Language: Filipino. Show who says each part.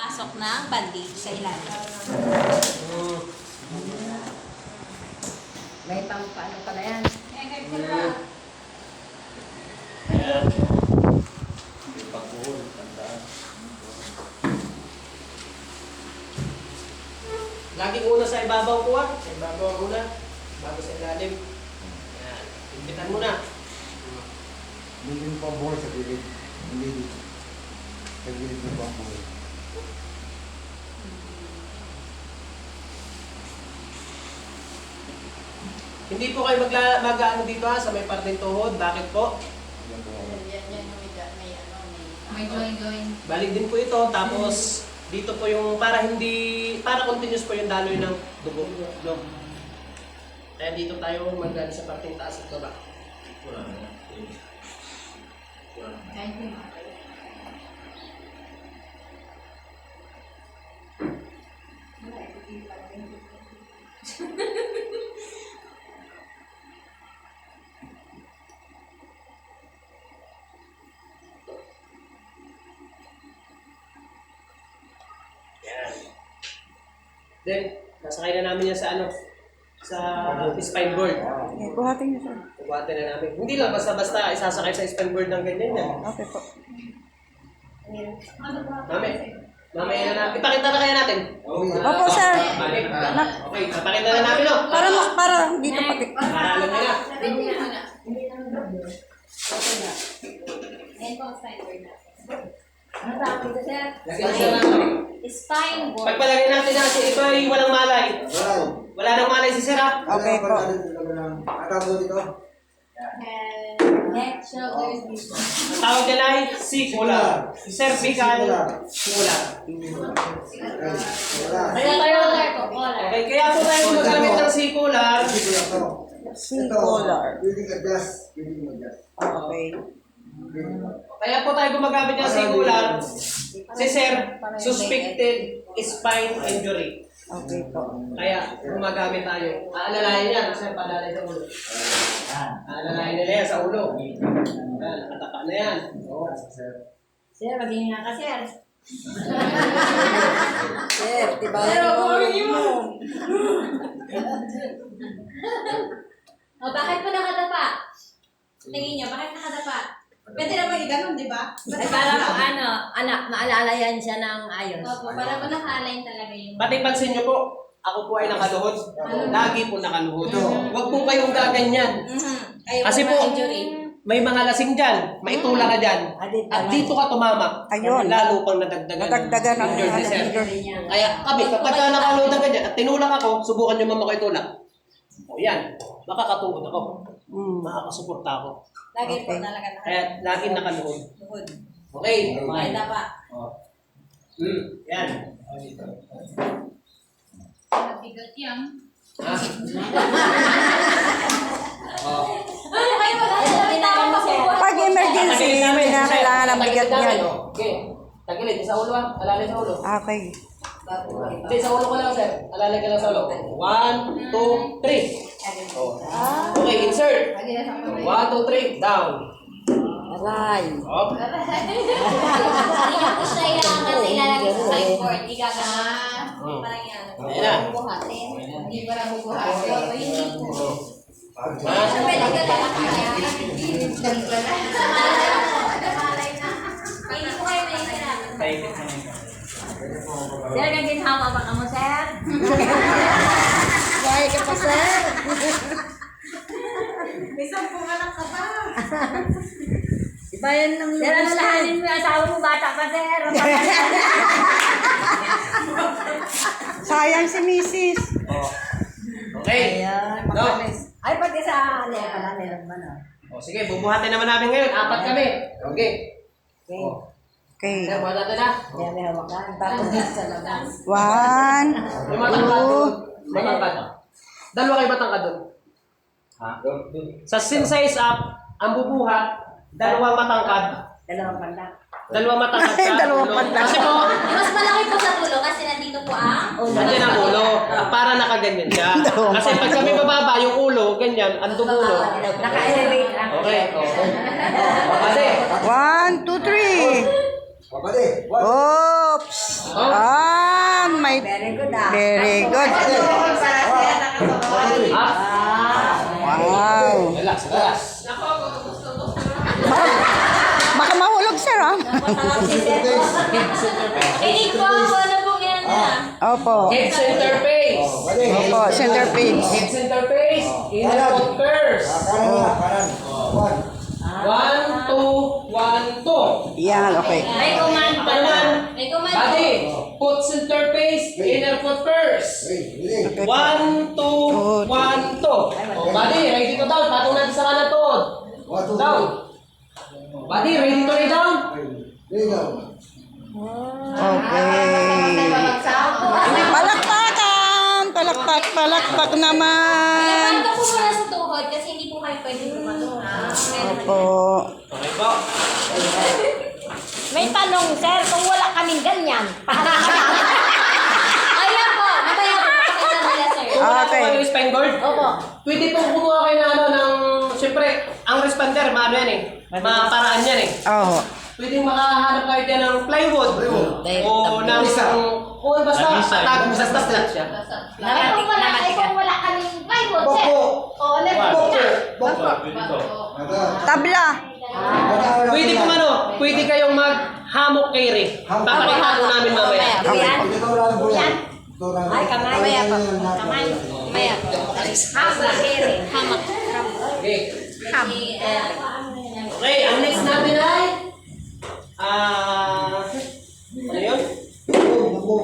Speaker 1: Pasok ng bandage sa ilalim.
Speaker 2: May pampano pala yan.
Speaker 3: Ayan. May pagbuhol, tandaan.
Speaker 4: Laging una sa ibabaw ko Sa ibabaw muna. Bago sa ilalim. Ayan. Impitan mo na.
Speaker 5: Hindi mo pang buhay sa gilid. Hindi dito. Sa gilid mo pang buhay.
Speaker 4: Hindi po kayo mag-ano dito sa may parteng tuhod. Bakit po?
Speaker 5: Yan po.
Speaker 2: May join.
Speaker 4: Balik din po ito. Tapos dito po yung para continuous po yung daloy ng dugo. No? Kaya dito tayo mag-ano sa parteng taas at baba.
Speaker 3: Wala na. Wala na.
Speaker 4: Yan. Then, nasakay na namin yan sa spine board.
Speaker 6: Buhatin niyo sir.
Speaker 4: Buhatin na namin. Hindi lang basta-basta isasakay sa spine board ng ganyan yan.
Speaker 6: Okay po.
Speaker 4: Mamaya na natin. Ipakita na kaya natin.
Speaker 6: Opo sir.
Speaker 4: Balik. Okay, ipakita na namin no.
Speaker 6: Para dito pati.
Speaker 4: Para alam nyo na.
Speaker 1: Ayan po ang spine board natin.
Speaker 2: Ano tawag dito, sir?
Speaker 4: Lagyan na natin.
Speaker 1: Spine board.
Speaker 4: Pagpalagay natin na ito ay walang malay. Wala nang malay si Sir ha.
Speaker 6: Okay po.
Speaker 5: Atawag dito.
Speaker 1: Neck, shoulders, knees.
Speaker 4: Ang tawag nila ay sikular. Cervical sikular. Kaya tayo.
Speaker 1: Collar po, collar.
Speaker 4: Okay, kaya po tayo gumagamit ng sikular.
Speaker 6: Singular.
Speaker 5: Pwede ka-adjust. Pwede mag-adjust.
Speaker 6: Okay.
Speaker 4: Kaya po tayo gumagamit ng sikular. Si Sir, suspected spine injury.
Speaker 6: Okay po.
Speaker 4: Kaya gumagamit tayo. Aalalayan yan, Sir, padalay sa ulo. Aalalayan nila yan sa ulo. Nakatapa na yan.
Speaker 2: Sir, maging nga ka, sir.
Speaker 6: Sir, diba?
Speaker 1: O, bakit po nakadapa? Tingin niyo, bakit nakadapa? Pwede naman i-ganon, di ba?
Speaker 2: Ay, para anak, maalala yan siya ng ayos.
Speaker 1: Opo, para po naka-align talaga yung...
Speaker 4: Pati pansin nyo po, ako po ay nakaluhod. Lagi po nakaluhod. Huwag po kayong gaganyan.
Speaker 1: Ayaw
Speaker 4: Kasi po,
Speaker 1: injury.
Speaker 4: may mga lasing dyan, maitula ka dyan. At dito ka tumama.
Speaker 6: Ayun.
Speaker 4: Lalo pang nadagdagan
Speaker 6: Nadagdagan ang
Speaker 4: injured si Sir.
Speaker 6: injury.
Speaker 4: Kaya kami, kapag ka nakaluhod na ganyan at tinulak ako, subukan nyo mama ko itulak. O yan, makakatuhod ako. Makakasuporta ako.
Speaker 1: Lagi po
Speaker 6: Okay.
Speaker 1: talaga
Speaker 4: Kaya lagi nakaluhod.
Speaker 1: nakaluhod.
Speaker 4: Okay.
Speaker 1: Ay, dapa.
Speaker 4: Yan.
Speaker 1: Mabigat yan.
Speaker 4: Ha?
Speaker 1: Ano kayo magkakalaman po?
Speaker 6: Pag emergency, may na kailangan ng bigat niyan.
Speaker 4: Okay. Tagilid, sa ulo ha. Alalay sa ulo.
Speaker 6: Okay.
Speaker 4: Hindi, sa ulo ko lang, sir. Alalay ka lang sa ulo. 1, 2, 3. Okay, insert. 1, 2, 3. Down.
Speaker 6: Aray.
Speaker 4: Up.
Speaker 1: Hindi niyo po siya ilangan na ilalagay sa spine board. Igagana. Parang yan.
Speaker 4: Ayan na.
Speaker 1: Bubuhatin. Hindi pa na bubuhatin. O, hindi po.
Speaker 4: Ha?
Speaker 1: Pwede ka na kaya. Hindi po kayo may kailangan.
Speaker 2: Sir, naginhawa ba ka mo, sir?
Speaker 6: Why ka pa sir?
Speaker 1: May 10 anak ka pa.
Speaker 6: Ibayan ng
Speaker 2: Sir, ano lahanin mo yung asawa mo, bata pa, sir?
Speaker 6: Sayang si Mrs.
Speaker 4: Okay.
Speaker 2: Ayan,
Speaker 4: No.
Speaker 2: makalis. Ay, pati sa ano pala, meron ba na?
Speaker 4: O, sige, bubuhatin naman namin ngayon. 4 kami. Okay.
Speaker 2: Okay.
Speaker 6: Okay.
Speaker 4: Sir, buhatin na.
Speaker 2: Yan, may hawakan. Tapos dito sa labas.
Speaker 6: 1,
Speaker 4: Yung matangkad doon. Matangkad. Dalawa kayo matangkad doon.
Speaker 3: Ha?
Speaker 4: Sa sin size up, ang bubuhat, dalawang matangkad.
Speaker 2: Dalawang panda.
Speaker 4: Dalawang matangkad sa
Speaker 6: Dalawang
Speaker 4: ulo.
Speaker 6: matangkad.
Speaker 4: Kasi po,
Speaker 1: Mas malaki po sa tulo kasi nandito po ang...
Speaker 4: nandiyan ang ulo. Para nakaganyan siya. Kasi pag kami bababa, yung ulo, ganyan, ang dugulo.
Speaker 2: Naka-elevate lang.
Speaker 4: Okay. Kasi,
Speaker 6: 1, 2, 3.
Speaker 5: Pabali.
Speaker 6: Oops.
Speaker 4: oh,
Speaker 6: right.
Speaker 2: Very good ah.
Speaker 6: Very good.
Speaker 4: Ha?
Speaker 6: Wow.
Speaker 3: Relax, relax.
Speaker 6: Baka mahulog, sir, ah.
Speaker 1: Kinig po ako na po yan na.
Speaker 6: Opo.
Speaker 4: Head center face.
Speaker 6: Opo, center page.
Speaker 4: Head center face. Inner foot curves.
Speaker 5: Kanan na, kanan. One.
Speaker 4: 1, 2, 1, 2.
Speaker 6: Yan, okay.
Speaker 2: May command pa
Speaker 4: Kanan.
Speaker 1: May command
Speaker 4: Body.
Speaker 1: po.
Speaker 4: Foot center face. Inner foot curves.
Speaker 5: Hey,
Speaker 4: 1, 2,
Speaker 5: really?
Speaker 4: 1, 2. Body, ready to down. Patong natin sa kanan to.
Speaker 5: One, two,
Speaker 4: Down. Body, ready to lay down.
Speaker 5: There you go.
Speaker 6: Okay. Palakpakan! Palakpak naman.
Speaker 1: Iyapan ko po muna sa tuhod kasi hindi po kayo pwede pumatong.
Speaker 6: Opo.
Speaker 4: Okay po.
Speaker 2: May tanong, sir, kung wala kaming ganyan, paano kami?
Speaker 1: Ayan po, mamaya po pakita nila sir.
Speaker 4: Kung wala po
Speaker 6: Okay.
Speaker 4: kayo spine guard,
Speaker 2: Opo.
Speaker 4: pwede pong kumuha kayo na ano ng, siyempre, ang responder, maano yan eh. Maparaan yan eh.
Speaker 6: Oo.
Speaker 4: Pwede makahanap kayo dyan ng plywood. O ng o basta patag, basta flat siya.
Speaker 1: Ay kung wala kaming plywood sir.
Speaker 5: Boko.
Speaker 1: O, let's go na.
Speaker 5: Boko.
Speaker 6: Tabla.
Speaker 4: Pwede po ano, pwede kayong maghamok kay Rick. Papakita po namin mamaya.
Speaker 2: Ayan.
Speaker 5: Ito lang po yan.
Speaker 2: Ay, kamay.
Speaker 5: Mamaya pa.
Speaker 2: Kamay. Maya. Hamak, ere. Hamak.
Speaker 4: Okay. Okay, ang next natin ay